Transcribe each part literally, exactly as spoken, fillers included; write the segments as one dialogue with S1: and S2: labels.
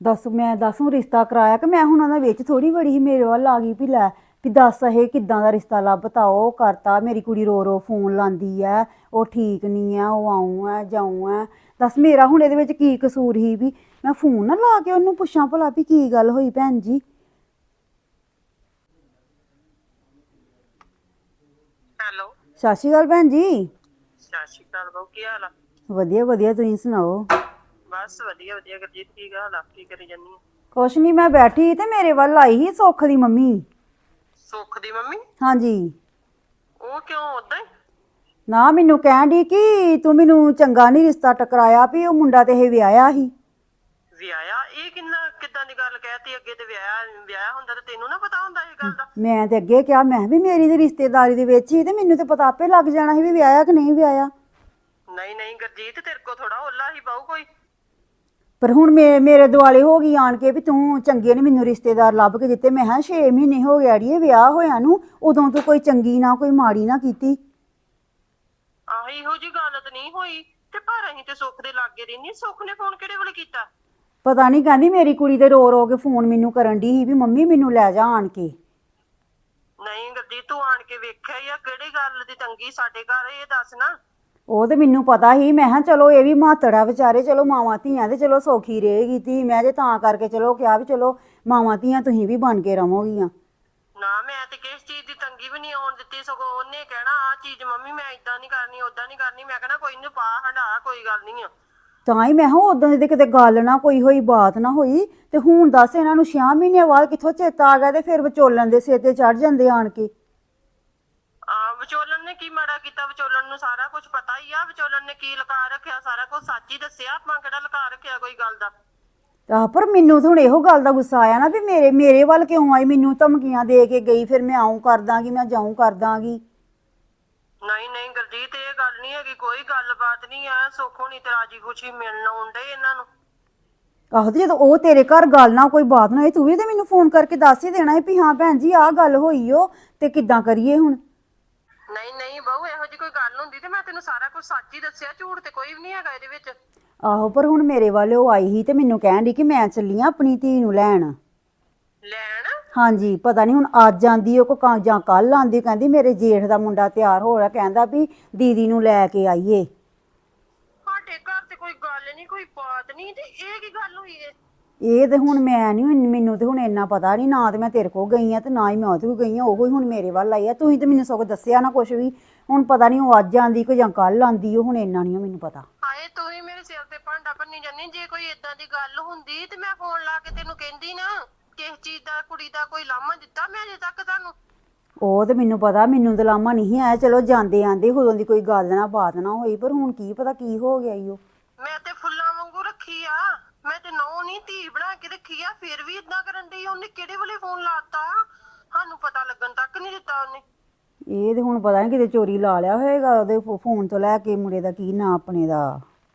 S1: ਦੱਸ ਮੈਂ ਦੱਸੂ ਰਿਸ਼ਤਾ ਕਰਾਇਆ ਕਿ ਮੈਂ ਹੁਣ ਉਹਨਾਂ ਵਿੱਚ ਥੋੜੀ ਬੜੀ ਸੀ ਮੇਰੇ ਵੱਲ ਆ ਗਈ ਵੀ ਲੈ ਵੀ ਦੱਸ ਇਹ ਕਿੱਦਾਂ ਦਾ ਰਿਸ਼ਤਾ ਲੱਭਤਾ ਉਹ ਕਰਤਾ ਮੇਰੀ ਕੁੜੀ ਰੋ ਰੋ ਫੋਨ ਲਾਉਂਦੀ ਐ ਉਹ ਠੀਕ ਨਹੀਂ ਆ ਉਹ ਆਊਂ ਐ ਜਾਊਂ ਐ ਦੱਸ ਮੇਰਾ ਹੁਣ ਇਹਦੇ ਵਿੱਚ ਕੀ ਕਸੂਰ ਸੀ ਵੀ ਮੈਂ ਫੋਨ ਨਾ ਲਾ ਕੇ ਉਹਨੂੰ ਪੁੱਛਾਂ ਭਲਾ ਵੀ ਕੀ ਗੱਲ ਹੋਈ ਭੈਣ ਜੀ।
S2: ਹੈਲੋ
S1: ਸਤਿ ਸ਼੍ਰੀ ਅਕਾਲ ਭੈਣ ਜੀ।
S2: ਸਤਿ ਸ਼੍ਰੀ ਅਕਾਲ ਬਾਊ, ਕੀ ਹਾਲ ਆ?
S1: ਵਧੀਆ ਵਧੀਆ ਤੁਸੀਂ ਸੁਣਾਓ।
S2: ਬਸ ਵਧੀਆ ਵਧੀਆ। ਗੁਰਜੀਤ ਕੀ ਹਾਲ ਆ? ਕੀ ਕਰੀ ਜਾਨੀ ਆ?
S1: ਕੁਛ ਨਹੀਂ ਮੈਂ ਬੈਠੀ ਤੇ ਮੇਰੇ ਵੱਲ ਆਈ ਸੀ ਸੁੱਖ ਦੀ ਮੰਮੀ।
S2: ਸੁੱਖ ਦੀ ਮੰਮੀ?
S1: ਹਾਂਜੀ।
S2: ਉਹ ਕਿਉਂ ਉਦਾਂ ਹੀ?
S1: ਨਾ ਮੈਨੂੰ ਕਹਿਣ ਦੀ ਕਿ ਤੂੰ ਮੈਨੂੰ ਚੰਗਾ ਨਹੀਂ ਰਿਸ਼ਤਾ ਟਕਰਾਇਆ ਵੀ ਉਹ ਮੁੰਡਾ ਤੇ ਇਹ ਵਿਆਹਿਆ ਸੀ।
S2: ਵਿਆਹਿਆ? ਇਹ ਕਿੰਨਾ ਕਿੱਦਾਂ ਦੀ ਗੱਲ ਕਹਿਤੀ? ਅੱਗੇ ਤੇ ਵਿਆਹ ਵਿਆਹ ਹੁੰਦਾ ਤੇ ਤੈਨੂੰ ਨਾ ਪਤਾ ਹੁੰਦਾ ਇਹ ਗੱਲ ਦਾ?
S1: ਮੈਂ ਤੇ ਅੱਗੇ ਕਿਹਾ ਮੈਂ ਵੀ ਮੇਰੀ ਤੇ ਰਿਸ਼ਤੇਦਾਰੀ ਦੇ ਵਿੱਚ ਹੀ ਤੇ ਮੈਨੂੰ ਤੇ ਪਤਾ ਆਪੇ ਲੱਗ ਜਾਣਾ ਸੀ ਵੀ ਵਿਆਹਿਆ ਕਿ ਨਹੀਂ ਵਿਆਹਿਆ।
S2: ਨਹੀਂ ਨਹੀਂ ਗੁਰਜੀਤ, ਤੇਰੇ ਕੋ ਥੋੜਾ ਓਲਾ ਹੀ ਬਾਊ ਕੋਈ।
S1: ਪਰ ਹੁਣ ਮੇ ਮੇਰੇ ਦੁਆਲੇ ਹੋ ਗਈ ਆਣ ਕੇ ਵੀ ਤੂੰ ਚੰਗੇ ਨੇ ਮੈਨੂੰ ਰਿਸ਼ਤੇਦਾਰ ਲੱਭ ਕੇ ਦਿੱਤੇ। ਮੈਂ ਕਿਹਾ ਛੇ ਮਹੀਨੇ ਹੋ ਗਏ ਅੜੀਏ ਵਿਆਹ ਹੋਇਆ ਨੂੰ, ਉਦੋਂ ਤੂੰ ਕੋਈ ਚੰਗੀ ਨਾ ਕੋਈ ਮਾੜੀ ਨਾ ਕੀਤੀ।
S2: ਆਹ ਇਹੋ ਜੀ ਗੱਲ ਤਾਂ ਨਹੀਂ ਹੋਈ ਤੇ ਪਰ ਅਸੀਂ ਤੇ ਸੁੱਖ ਦੇ ਲਾਗੇ ਰਹਿੰਦੇ। ਸੁੱਖ ਨੇ ਫੋਨ ਕਿਹੜੇ ਵੇਲੇ ਕੀਤਾ?
S1: ਪਤਾ ਨਹੀਂ ਕਹਿੰਦੀ ਮੇਰੀ ਕੁੜੀ ਦੇ ਰੋ ਰੋ ਕੇ ਫੋਨ ਮੈਨੂੰ ਕਰਨ ਦੀ ਸੀ ਵੀ ਮੰਮੀ ਮੈਨੂੰ ਲੈ ਜਾ ਆਣ ਕੇ।
S2: ਨਹੀਂ ਗੁਰਜੀਤ, ਤੂੰ ਆਣ ਕੇ ਵੇਖਿਆ ਹੀ ਆ? ਕਿਹੜੀ ਗੱਲ ਦੀ ਤੰਗੀ ਸਾਡੇ ਘਰ, ਇਹ ਦੱਸ ਨਾ।
S1: ਉਹ ਤੇ ਮੈਨੂੰ ਪਤਾ ਸੀ। ਮੈਂ ਕਿਹਾ ਚਲੋ ਇਹ ਵੀ ਮਾਤੜ ਆ ਵਿਚਾਰੇ, ਚਲੋ ਮਾਵਾਂ ਧੀਆਂ ਤੇ ਚਲੋ ਸੌਖੀ ਰਹੇਗੀ ਧੀ। ਮੈਂ ਜੇ ਤਾਂ ਕਰਕੇ ਚਲੋ ਕਿਹਾ ਵੀ ਚਲੋ ਮਾਵਾਂ ਧੀਆਂ ਤੁਸੀਂ ਵੀ ਬਣ ਕੇ ਰਵੋਗੀਆਂ।
S2: ਨਾ ਮੈਂ ਤੇ ਕਿਸ ਚੀਜ਼ ਦੀ ਤੰਗੀ ਵੀ ਨਹੀਂ ਆਉਣ ਦਿੱਤੀ, ਸਗੋਂ ਉਹਨੇ ਕਹਿਣਾ ਆਹ ਚੀਜ਼ ਮੰਮੀ ਮੈਂ ਇਦਾਂ ਨਹੀਂ ਕਰਨੀ ਓਦਾਂ ਨਹੀਂ ਕਰਨੀ। ਮੈਂ ਕਹਿਣਾ ਕੋਈ ਨੀ ਪਾ ਹੰਡਾ, ਕੋਈ ਗੱਲ ਨਹੀਂ ਆ।
S1: ਤਾਂ ਹੀ ਮੈਂ ਕਿਹਾ ਉਦੋਂ ਦੀ ਕਿਤੇ ਗੱਲ ਨਾ ਕੋਈ ਹੋਈ ਬਾਤ ਨਾ ਹੋਈ ਤੇ ਹੁਣ ਦੱਸ ਇਹਨਾਂ ਨੂੰ ਛੇ ਮਹੀਨਿਆਂ ਬਾਅਦ ਕਿੱਥੋਂ ਚੇਤਾ ਆ ਗਿਆ ਤੇ ਫਿਰ ਵਿਚੋਲਣ ਦੇ ਸਿਰ ਤੇ ਚੜ ਜਾਂਦੇ ਆਣ ਕੇ।
S2: ਆ ਵਿਚੋਲਣ ਨੇ ਕੀ ਮਾੜਾ ਕੀਤਾ? ਵਿਚੋਲਣ ਨੂੰ ਸਾਰਾ ਕੁਝ ਪਤਾ ਹੀ ਆ। ਵਿਚੋਲਣ ਨੇ ਕੀ ਲੁਕਾ ਰੱਖਿਆ? ਸਾਰਾ ਕੁਝ ਸੱਚ ਹੀ ਦੱਸਿਆ। ਆਪਾਂ ਕਿਹੜਾ ਲੁਕਾ ਰੱਖਿਆ ਕੋਈ ਗੱਲ ਦਾ?
S1: ਆਹ ਪਰ ਮੈਨੂੰ ਤਾਂ ਹੁਣ ਇਹੋ ਗੱਲ ਦਾ ਗੁੱਸਾ ਆਇਆ ਨਾ ਵੀ ਮੇਰੇ ਮੇਰੇ ਵੱਲ ਕਿਉਂ ਆਈ, ਮੈਨੂੰ ਧਮਕੀਆਂ ਦੇ ਕੇ ਗਈ ਫਿਰ ਮੈਂ ਆਉਂ ਕਰ ਦਾਂਗੀ ਮੈਂ ਜਾਊਂ ਕਰ ਦਾਂਗੀ।
S2: ਨਹੀਂ ਨਹੀਂ ਗੁਰਜੀਤ, ਇਹ ਗੱਲ ਨਹੀਂ ਹੈਗੀ, ਕੋਈ ਗੱਲਬਾਤ ਨਹੀਂ ਆ। ਸੁੱਖ ਹੋਣੀ ਤੇ ਰਾਜੀ ਖੁਸ਼ੀ ਮਿਲਣ ਆਉਂਦੇ ਇਹਨਾਂ ਨੂੰ।
S1: ਆਹੋ ਤੇ ਜਦੋਂ ਉਹ ਤੇਰੇ ਘਰ ਗੱਲ ਨਾ ਕੋਈ ਬਾਤ ਨਾ ਹੋਈ ਤੂੰ ਵੀ ਤੇ ਮੈਨੂੰ ਫੋਨ ਕਰਕੇ ਦੱਸ ਹੀ ਦੇਣਾ ਸੀ ਵੀ ਹਾਂ ਭੈਣ ਜੀ ਆਹ ਗੱਲ ਹੋਈ ਓ ਤੇ ਕਿੱਦਾਂ ਕਰੀਏ ਹੁਣ।
S2: ਨਹੀਂ ਨਹੀਂ ਬਹੂ, ਇਹੋ ਜਿਹੀ ਕੋਈ ਗੱਲ ਹੁੰਦੀ ਤੇ ਮੈਂ ਤੈਨੂੰ ਸਾਰਾ ਕੁਝ ਸੱਚ ਹੀ ਦੱਸਿਆ। ਝੂਠ ਤੇ ਕੋਈ ਵੀ ਨਹੀਂ ਹੈਗਾ ਇਹਦੇ ਵਿੱਚ।
S1: ਆਹੋ ਪਰ ਹੁਣ ਮੇਰੇ ਵੱਲ ਉਹ ਆਈ ਸੀ ਤੇ ਮੈਨੂੰ ਕਹਿਣ ਦੀ ਕਿ ਮੈਂ ਚੱਲੀ ਆਂ ਆਪਣੀ ਧੀ ਨੂੰ ਲੈਣ।
S2: ਲੈਣ?
S1: ਹਾਂਜੀ ਪਤਾ ਨਹੀਂ ਹੁਣ ਅੱਜ ਆਂਦੀ ਉਹ ਕੋ ਜਾਂ ਕੱਲ ਆਂਦੀ। ਕਹਿੰਦੀ ਮੇਰੇ ਜੇਠ ਦਾ ਮੁੰਡਾ ਤਿਆਰ ਹੋ ਰਿਹਾ, ਕਹਿੰਦਾ ਵੀ ਦੀਦੀ ਨੂੰ ਲੈ ਕੇ ਆਈਏ।
S2: ਸਾਡੇ ਘਰ ਤੇ ਕੋਈ ਗੱਲ ਨਹੀਂ, ਕੋਈ ਬਾਤ ਨਹੀਂ, ਤੇ ਇਹ ਕੀ ਗੱਲ ਹੋਈ ਏ?
S1: ਇਹ ਤੇ ਹੁਣ ਮੈਂ ਨਹੀਂ, ਮੈਨੂੰ ਤੇ ਹੁਣ ਇੰਨਾ ਪਤਾ ਨਹੀਂ ਨਾ। ਤੇ ਮੈਂ ਤੇਰੇ ਕੋਲ ਗਈ ਆ ਤੇ ਨਾ ਹੀ ਮੈਂ ਉਹਦੇ ਕੋਲ ਗਈ ਆ। ਉਹੀ ਹੁਣ ਮੇਰੇ ਵੱਲ ਆਈ ਆ। ਤੁਸੀਂ ਤੇ ਮੈਨੂੰ ਸਗੋਂ ਦੱਸਿਆ ਨਾ ਕੁਛ ਵੀ। ਹੁਣ ਪਤਾ ਨਹੀਂ ਉਹ ਅੱਜ ਆਂਦੀ ਕਿ ਜਾਂ ਕੱਲ ਆਂਦੀ। ਉਹ ਹੁਣ ਇੰਨਾ ਨਹੀਂ ਮੈਨੂੰ ਪਤਾ।
S2: ਹਾਏ ਤੂੰ ਹੀ ਮੇਰੇ ਸਿਰ ਤੇ ਭਾਂਡਾ ਭੰਨੀ ਜਾਨੀ। ਜੇ ਕੋਈ ਏਦਾਂ ਦੀ ਗੱਲ ਹੁੰਦੀ ਤੇ ਮੈਂ ਫੋਨ ਲਾ ਕੇ ਤੈਨੂੰ ਕਹਿੰਦੀ ਨਾ। ਕਿਸ ਚੀਜ਼ ਦਾ ਕੁੜੀ ਦਾ ਕੋਈ ਲਾਮਾ ਦਿੱਤਾ ਮੈਂ ਅਜੇ ਤੱਕ ਤੁਹਾਨੂੰ?
S1: ਉਹ ਤੇ ਮੈਨੂੰ ਪਤਾ, ਮੈਨੂੰ ਤੇ ਲਾਮਾ ਨਹੀਂ ਆਇਆ। ਚਲੋ ਜਾਂਦੇ ਆਂਦੇ ਉਦੋਂ ਦੀ ਕੋਈ ਗੱਲ ਨਾ ਬਾਤ ਨਾ ਹੋਈ ਪਰ ਹੁਣ ਕੀ ਪਤਾ ਕੀ ਹੋ ਗਿਆ ਈ ਉਹ।
S2: ਮੈਂ ਤੇ ਫੁੱਲਾਂ ਵਾਂਗੂ ਰੱਖੀ ਆ। ਮੈਂ ਤੇ ਨੌ ਨਹੀਂ ਧੀ ਬਣਾ ਕੇ ਰੱਖੀ ਆ, ਫਿਰ ਵੀ ਇਦਾਂ ਕਰਨ ਡਈ। ਉਹਨੇ ਕਿਹੜੇ ਵੇਲੇ ਫੋਨ ਲਾਤਾ? ਸਾਨੂੰ ਪਤਾ ਲੱਗਣ ਤੱਕ ਨਹੀਂ ਦਿੱਤਾ ਉਹਨੇ।
S1: ਇਹ ਤੇ ਹੁਣ ਪਤਾ ਨਹੀਂ ਕਿਤੇ ਚੋਰੀ ਲਾ ਲਿਆ ਹੋਏਗਾ ਉਹਦੇ ਫੋਨ ਤੋਂ ਲੈ ਕੇ ਮੁੰਡੇ ਦਾ ਕੀ ਨਾਂ ਆਪਣੇ ਦਾ।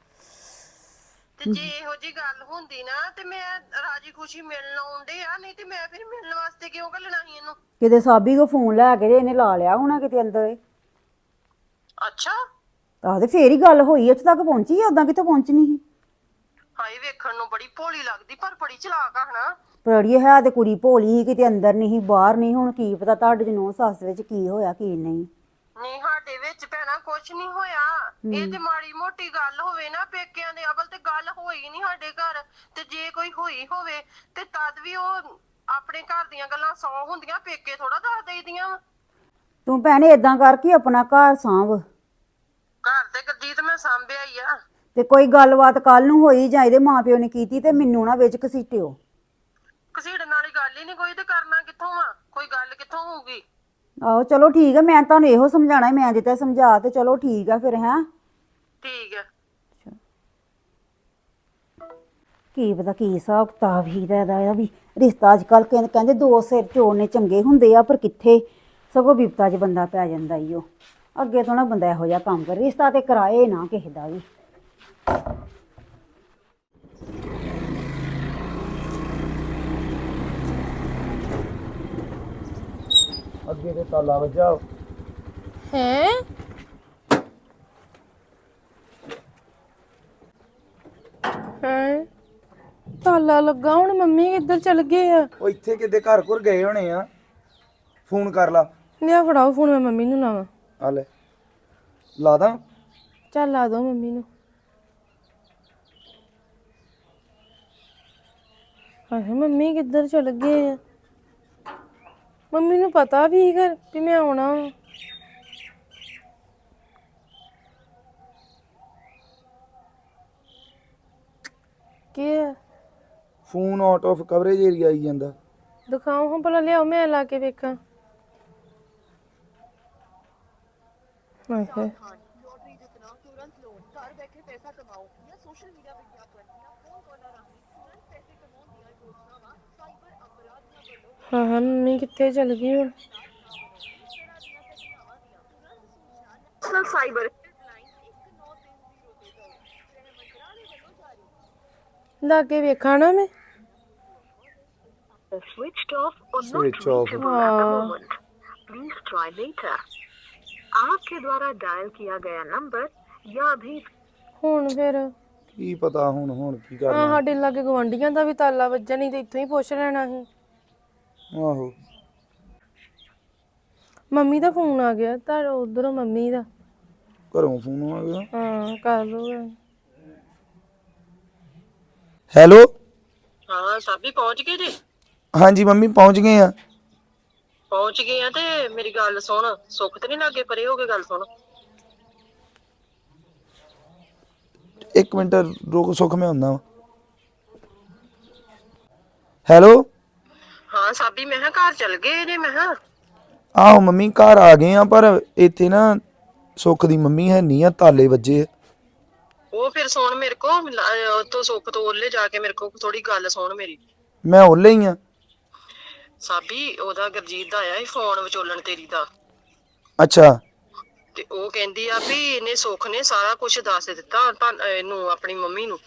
S2: ਤੇ ਜੇ ਇਹੋ ਜੀ ਗੱਲ ਹੁੰਦੀ ਨਾ ਤੇ ਮੈਂ ਰਾਜੀ ਖੁਸ਼ੀ ਮਿਲਣ ਆਉਂਦੇ ਆ। ਨਹੀਂ ਤੇ ਮੈਂ ਫਿਰ ਮਿਲਣ ਵਾਸਤੇ ਕਿਉਂ ਘੱਲਣਾ ਸੀ ਇਹਨੂੰ?
S1: ਕਿਤੇ ਸਾਬੀ ਕੋ ਫੋਨ ਲੈ ਕੇ ਤੇ ਇਹਨੇ ਲਾ ਲਿਆ ਹੋਣਾ ਕਿਤੇ ਅੰਦਰ।
S2: ਅੱਛਾ।
S1: ਆਹ ਤੇ ਫੇਰ ਹੀ ਗੱਲ ਹੋਈ ਇੱਥੇ ਤੱਕ ਪਹੁੰਚੀ ਆ, ਉਦਾਂ ਕਿੱਥੋਂ ਪਹੁੰਚਣੀ ਸੀ।
S2: ਹਾਏ ਵੇਖਣ ਨੂੰ ਬੜੀ ਭੋਲੀ ਲੱਗਦੀ ਪਰ ਬੜੀ ਚਲਾਕ ਆ ਹਨਾ?
S1: ਪਰ ਅੜੀਏ ਹੈ ਤੇ ਕੁੜੀ ਭੋਲੀ ਸੀ, ਕਿਤੇ ਅੰਦਰ ਨਹੀਂ ਬਾਹਰ ਨਹੀਂ। ਹੁਣ ਕੀ ਪਤਾ ਤੁਹਾਡੇ ਚ ਨੂੰਹ ਸੱਸ ਵਿੱਚ ਕੀ ਹੋਇਆ ਕੀ ਨਹੀਂ।
S2: ਨਹੀਂ ਸਾਡੇ ਵਿੱਚ ਭੈਣਾ ਕੁਛ ਨਹੀਂ ਹੋਇਆ। ਇਹ ਤੇ ਮਾੜੀ ਮੋਟੀ ਗੱਲ ਹੋਵੇ ਨਾ ਪੇਕਿਆਂ ਦੇ, ਅਵਲ ਤੇ ਗੱਲ ਹੋਈ ਨਹੀਂ ਸਾਡੇ ਘਰ। ਤੇ ਜੇ ਕੋਈ ਹੋਈ ਹੋਵੇ ਤੇ ਤਦ ਵੀ ਉਹ ਆਪਣੇ ਘਰ ਦੀਆਂ ਗੱਲਾਂ ਸੌ ਹੁੰਦੀਆਂ, ਪੇਕੇ ਥੋੜਾ ਦੱਸ ਦੇਈਦੀਆਂ ਵਾ।
S1: ਤੂੰ ਭੈਣੇ ਏਦਾਂ ਕਰ ਕਿ ਆਪਣਾ ਘਰ ਸਾਂਭ।
S2: ਘਰ ਤੇ ਗੁਰਜੀਤ ਮੈਂ ਸਾਂਭਿਆ ਹੀ ਆ।
S1: ਤੇ ਕੋਈ ਗੱਲਬਾਤ ਕੱਲ ਨੂੰ ਹੋਈ ਜਾਂ ਇਹਦੇ ਮਾਂ ਪਿਓ ਨੇ ਕੀਤੀ ਤੇ ਮੈਨੂੰ ਨਾ ਵਿੱਚ ਘਸੀਟਿਓ।
S2: ਘਸੀੜਨ ਵਾਲੀ ਗੱਲ ਹੀ ਨਹੀਂ ਕੋਈ, ਤੇ ਕਰਨਾ ਕਿੱਥੋਂ ਆ? ਕੋਈ ਗੱਲ ਕਿੱਥੋਂ ਹੋਊਗੀ?
S1: ਆਹੋ ਚਲੋ ਠੀਕ ਹੈ, ਮੈਂ ਤੁਹਾਨੂੰ ਇਹੋ ਸਮਝਾਣਾ ਮੈਂ ਜਿੱਤੇ ਸਮਝਾ ਤੇ ਚਲੋ ਠੀਕ ਆ ਫਿਰ। ਹੈਂ
S2: ਠੀਕ ਹੈ।
S1: ਕੀ ਪਤਾ ਕੀ ਹਿਸਾਬ ਕਿਤਾਬ ਹੀ ਦਾ ਇਹਦਾ ਵੀ ਰਿਸ਼ਤਾ ਅੱਜ ਕੱਲ੍ਹ ਕਹਿੰਦੇ ਕਹਿੰਦੇ ਦੋ ਸਿਰ ਚੋੜਨੇ ਚੰਗੇ ਹੁੰਦੇ ਆ ਪਰ ਕਿੱਥੇ ਸਗੋਂ ਬਿਪਤਾ 'ਚ ਬੰਦਾ ਪੈ ਜਾਂਦਾ ਈ ਉਹ। ਅੱਗੇ ਤੋਂ ਨਾ ਬੰਦਾ ਇਹੋ ਜਿਹਾ ਕੰਮ ਕਰੇ, ਰਿਸ਼ਤਾ ਤੇ ਕਰਾਏ ਨਾ ਕਿਸੇ ਦਾ ਵੀ।
S3: ਅੱਗੇ ਤੇ ਤਾਲਾ ਵੱਜਾ
S4: ਹੈ। ਹਾਂ ਤਾਲਾ ਲੱਗਾ ਹੁਣ ਮੰਮੀ ਕਿੱਧਰ ਚਲ ਗਏ ਆ?
S3: ਉਹ ਇੱਥੇ ਕਿਤੇ ਘਰ ਘਰ ਗਏ ਹੋਣੇ ਆ। ਫੋਨ ਕਰ ਲਾ।
S4: ਲਿਆ ਫੜਾਓ ਫੋਨ, ਮੈਂ ਮੰਮੀ ਨੂੰ ਲਾਵਾਂ।
S3: ਆ ਲੈ ਲਾ ਦਾਂ।
S4: ਚੱਲ ਲਾ ਦੋ ਮੰਮੀ ਨੂੰ। ਹਾਏ ਮੰਮੀ ਕਿੱਧਰ ਚਲ ਗਏ ਆ? ਮੰਮੀ ਨੂੰ ਪਤਾ ਵੀ ਘਰ ਵੀ ਮੈਂ ਆਉਣਾ ਵਾ। ਕੀ ਆ?
S3: Phone out of coverage area ਆਈ ਜਾਂਦਾ।
S4: ਦਿਖਾਓ ਹਾਂ ਭਲਾ, ਲਿਆਓ ਮੈਂ ਲਾ ਕੇ ਵੇਖਾਂ। ਹਾਏ ਹਾਏ ਹਾਂ ਹਾਂ ਮੰਮੀ ਕਿੱਥੇ ਚਲ ਗਈ ਹੁਣ?
S2: ਸਾਈਬਰ
S4: ਲਾ ਕੇ ਵੇਖਾਂ ਨਾ ਮੈਂ।
S2: switched off or not
S3: Switch off.
S2: reachable at the
S4: हाँ।
S2: moment. Please try later. आपके द्वारा डायल किया गया नंबर या अभी
S4: ਹੁਣ ਫਿਰ
S3: ਕੀ ਪਤਾ ਹੁਣ ਹੁਣ ਕੀ
S4: ਆ
S3: ਕਰਨਾ।
S4: ਸਾਡੇ ਲਾਗੇ ਗਵਾਂਢੀਆਂ ਦਾ ਵੀ ਤਾਲਾ ਵੱਜਾ, ਨਹੀਂ ਤੇ ਇੱਥੋਂ ਹੀ ਪੁੱਛ ਲੈਣਾ ਸੀ।
S3: ਆਹੋ
S4: ਮੰਮੀ ਦਾ ਫੋਨ ਆ ਗਿਆ, ਤਾਂ ਉਧਰੋਂ ਮੰਮੀ ਦਾ।
S3: ਘਰੋਂ ਫੋਨ ਆ ਗਿਆ।
S4: ਹਾਂ ਕਰ ਲਓ।
S3: ਹੈਲੋ।
S2: ਹਾਂ ਸਾਬੀ ਪਹੁੰਚ ਗਏ ਜੀ?
S3: ਹਾਂਜੀ ਮੰਮੀ ਪਹੁੰਚ ਗਏ ਆ।
S2: ਪਹੁੰਚ ਗਏ ਆ ਤੇ ਮੇਰੀ ਗੱਲ ਸੁਣ, ਸੁੱਖ ਤੇ ਨਹੀਂ ਲੱਗੇ ਪਰੇ ਹੋ ਕੇ ਗੱਲ ਸੁਣ।
S3: ਇੱਕ ਮਿੰਟ ਰੁਕ, ਸੁੱਖ ਮੈਂ ਹੁੰਦਾ ਵਾ। ਹੈਲੋ।
S2: ਹਾਂ ਸਾਬੀ ਮੈਂ ਕਿਹਾ ਘਰ ਚਲ ਗਏ ਨੇ। ਮੈਂ ਕਿਹਾ
S3: ਆਹੋ ਮੰਮੀ ਘਰ ਆ ਗਏ ਆ, ਪਰ ਇੱਥੇ ਨਾ ਸੁੱਖ ਦੀ ਮੰਮੀ ਹੈ ਨਹੀਂ ਆ, ਤਾਲੇ ਵੱਜੇ।
S2: ਉਹ ਫਿਰ ਸੁਣ ਮੇਰੇ ਕੋ ਉਤੋਂ ਸੁੱਖ ਤੋਂ ਉਹਲੇ ਜਾ ਕੇ ਮੇਰੇ ਕੋ ਥੋੜੀ ਗੱਲ ਸੁਣ ਮੇਰੀ।
S3: ਮੈਂ ਉਹਲੇ ਹੀ ਆ।
S2: ਸਾਬੀ ਉਹਦਾ ਗੁਰਜੀਤ ਦਾ ਆਇਆ ਸੀ ਫੋਨ ਵਿਚੋਲਣ ਤੇਰੀ ਦਾ,
S3: ਅੱਛਾ।
S2: ਤੇ ਉਹ ਕਹਿੰਦੀ ਆ ਵੀ ਇਹਨੇ ਸੁੱਖ ਨੇ ਸਾਰਾ ਕੁਝ ਦੱਸ ਦਿੱਤਾ ਤਾਂ ਇਹਨੂੰ ਆਪਣੀ ਮੰਮੀ ਨੂੰ।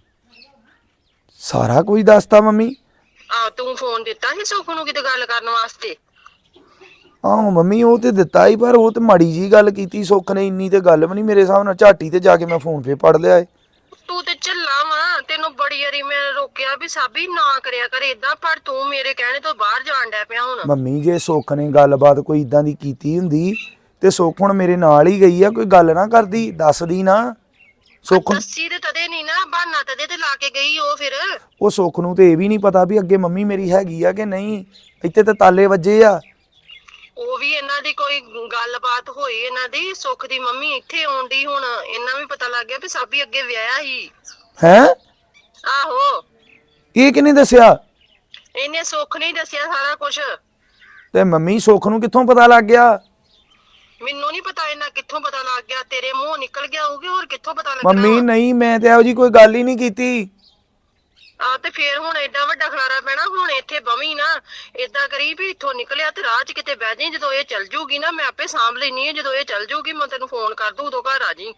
S3: ਸਾਰਾ ਕੁਝ ਦੱਸਤਾ ਮੰਮੀ?
S2: ਆ ਤੂੰ ਫੋਨ ਦਿੱਤਾ ਸੀ ਸੁੱਖ ਨੂੰ ਕਿਤੇ ਗੱਲ ਕਰਨ ਵਾਸਤੇ?
S3: ਆਹੋ ਮੰਮੀ ਉਹ ਤੇ ਦਿੱਤਾ ਹੀ, ਪਰ ਉਹ ਤੇ ਮਾੜੀ ਜੀ ਗੱਲ ਕੀਤੀ ਸੁੱਖ ਨੇ, ਇੰਨੀ ਤੇ ਗੱਲ ਵੀ ਨਹੀਂ ਮੇਰੇ ਹਿਸਾਬ ਨਾਲ। ਝਾਟੀ ਤੇ ਜਾ ਕੇ ਮੈਂ ਫੋਨ ਫੇ ਪੜ ਲਿਆ ਏ।
S2: ਤੂੰ ਤੇ ਝੱਲਾ ਵਾ, ਤੈਨੂੰ ਬੜੀ ਵਾਰੀ ਮੈਂ ਰੋਕਿਆ ਵੀ ਸਾਬੀ ਨਾ ਕਰਿਆ ਕਰ ਏਦਾਂ, ਪਰ ਤੂੰ ਮੇਰੇ ਕਹਿਣੇ ਤੋਂ ਬਾਹਰ ਜਾਣ ਡਿਆ ਪਿਆ ਹੁਣ।
S3: ਮੰਮੀ ਜੇ ਸੁੱਖ ਨੇ ਗੱਲਬਾਤ ਕੋਈ ਇਦਾਂ ਦੀ ਕੀਤੀ ਹੁੰਦੀ ਤੇ ਸੁੱਖ ਹੁਣ ਮੇਰੇ ਨਾਲ ਹੀ ਗਈ ਆ, ਕੋਈ ਗੱਲ ਨਾ ਕਰਦੀ, ਦੱਸਦੀ ਨਾ। ਸੁੱਖ
S2: ਦੱਸੀ ਤੇ ਤਦੇ ਨਹੀਂ ਨਾ, ਬਹਾਨਾ ਤਦੇ ਤੇ ਲਾ ਕੇ ਗਈ ਉਹ ਫਿਰ।
S3: ਉਹ ਸੁੱਖ ਨੂੰ ਤੇ ਇਹ ਵੀ ਨਹੀਂ ਪਤਾ ਵੀ ਅੱਗੇ ਮੰਮੀ ਮੇਰੀ ਹੈਗੀ ਆ ਕਿ ਨਹੀਂ। ਇੱਥੇ ਤੇ ਤਾਲੇ ਵੱਜੇ ਆ।
S2: ਉਹ ਵੀ ਇਹਨਾਂ ਦੀ ਕੋਈ ਗੱਲਬਾਤ ਹੋਈ ਇਹਨਾਂ ਦੀ, ਸੁੱਖ ਦੀ ਮੰਮੀ ਇੱਥੇ ਆਉਂਦੀ, ਹੁਣ ਇਹਨਾਂ ਵੀ ਪਤਾ ਲੱਗ ਗਿਆ ਵੀ ਸਾਬੀ ਅੱਗੇ ਵਿਆਹਿਆ ਸੀ।
S3: ਹੈਂ?
S2: ਆਹੋ
S3: ਇਹ ਕਿਹਨੇ ਦੱਸਿਆ?
S2: ਇਹਨੇ ਸੁੱਖ ਨਹੀਂ ਦੱਸਿਆ ਸਾਰਾ ਕੁਝ।
S3: ਤੇ ਮੰਮੀ ਸੁੱਖ ਨੂੰ ਕਿੱਥੋਂ ਪਤਾ ਲੱਗ ਗਿਆ?
S2: ਮੈਨੂੰ ਨਹੀਂ ਪਤਾ ਇਹਨਾਂ ਕਿੱਥੋਂ ਪਤਾ ਲੱਗ ਗਿਆ, ਤੇਰੇ ਮੂੰਹੋਂ ਨਿਕਲ ਗਿਆ ਹੋਊਗੀ, ਹੋਰ ਕਿੱਥੋਂ ਪਤਾ ਲੱਗਣਾ?
S3: ਮੰਮੀ ਨਹੀਂ, ਮੈਂ ਤੇ ਇਹੋ ਜੀ ਕੋਈ ਗੱਲ ਹੀ ਨਹੀਂ ਕੀਤੀ।
S2: ਆ ਤੇ ਫੇਰ ਹੁਣ ਏਡਾ ਵੱਡਾ ਖਲਾਰਾ ਪੈਣਾ, ਹੁਣ ਇੱਥੇ ਬਵੀ ਨਾ। ਏਦਾਂ ਕਰੀ ਵੀ ਇੱਥੋਂ ਨਿਕਲਿਆ ਤੇ ਰਾਹ 'ਚ ਕਿਤੇ ਬਹਿ ਜਾਈਂ, ਜਦੋਂ ਇਹ ਚੱਲ ਜੂਗੀ ਨਾ ਮੈਂ ਆਪੇ ਸਾਂਭ ਲੈਣੀ ਹੈ। ਜਦੋਂ ਇਹ ਚੱਲ ਜੂਗੀ ਮੈਂ ਤੈਨੂੰ ਫੋਨ ਕਰ ਦੂੰ, ਉਦੋਂ ਘਰ ਆ ਜੀ।